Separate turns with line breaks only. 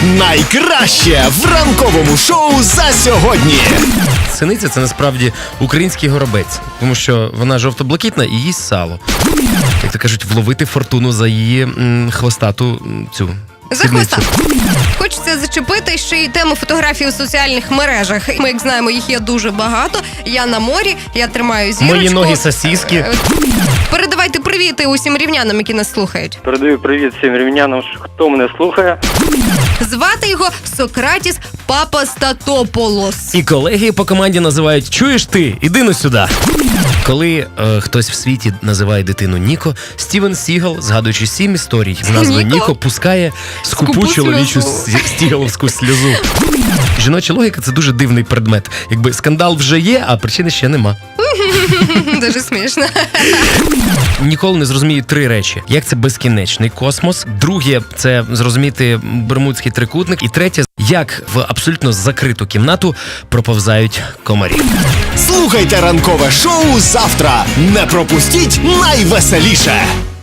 Найкраще в ранковому шоу за сьогодні.
Синиця – це насправді український горобець, тому що вона жовто-блакитна і їсть сало. Як то кажуть, вловити фортуну за її хвостату цю
За хвоста. Хочеться зачепити ще й тему фотографій у соціальних мережах. Ми, як знаємо, їх є дуже багато. Я на морі, я тримаю зірочку.
Мої ноги сосиски.
Передавайте привіти усім рівнянам, які нас слухають.
Передаю привіт всім рівнянам, хто мене слухає.
Звати його Сократіс Папастатополос.
І колеги по команді називають «Чуєш ти? Іди ну сюди». Коли хтось в світі називає дитину Ніко, Стівен Сігал, згадуючи 7 історій з назвою Ніко, пускає скупу чоловічу стігаловську сльозу. Жіноча логіка – це дуже дивний предмет. Якби скандал вже є, а причини ще нема.
Дуже смішно.
Ніколи не зрозумію 3 речі. Як це безкінечний космос. Друге – це зрозуміти Бермудський трикутник. І третє – як в абсолютно закриту кімнату проповзають комарі.
Слухайте ранкове шоу завтра. Не пропустіть найвеселіше.